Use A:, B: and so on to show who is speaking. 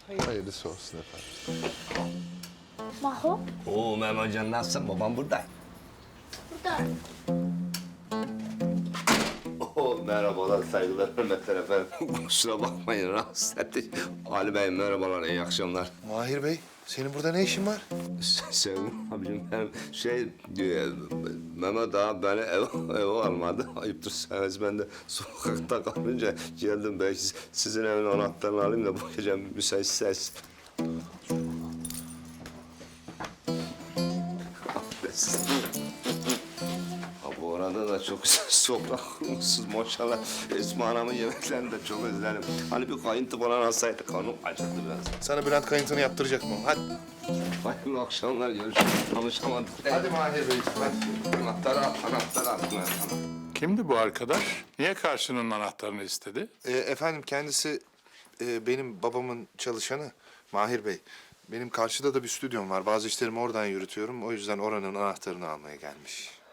A: Hayırlısı olsun efendim.
B: Maho,
C: Oo Mehmet Hocam nasılsın? Babam burada.
B: burada.
C: Oo merhabalar, saygılar, hürmetler efendim. Kusura bakmayın, rahatsız ettik. Ali Bey merhabalar, iyi akşamlar.
A: Mahir Bey, senin burada ne işin var?
C: Sevim abicim benim Mehmet ağa beni eve almadı. Ayıptır sevmez, ben de sokakta kalınca geldim. Belki sizin evin anahtarını alayım da bu gece müsaitseniz. Ha, bu arada da çok güzel sofra kurmuşsunuz maşallah. Esma Hanım'ın yemeklerini de çok özlerim. Hani bir kayıntı falan alsaydık, karnım acıktı biraz.
A: Sana Bülent kayıntını yaptıracak mı? Hadi.
C: Hayırlı akşamlar, görüşürüz. Tanışamadık.
A: Hadi Mahir Bey, hadi.
C: Anahtarı attım.
D: Kimdi bu arkadaş? Niye karşının anahtarını istedi?
A: Efendim kendisi benim babamın çalışanı Mahir Bey. Benim karşıda da bir stüdyom var. Bazı işlerimi oradan yürütüyorum. O yüzden oranın anahtarını almaya gelmiş.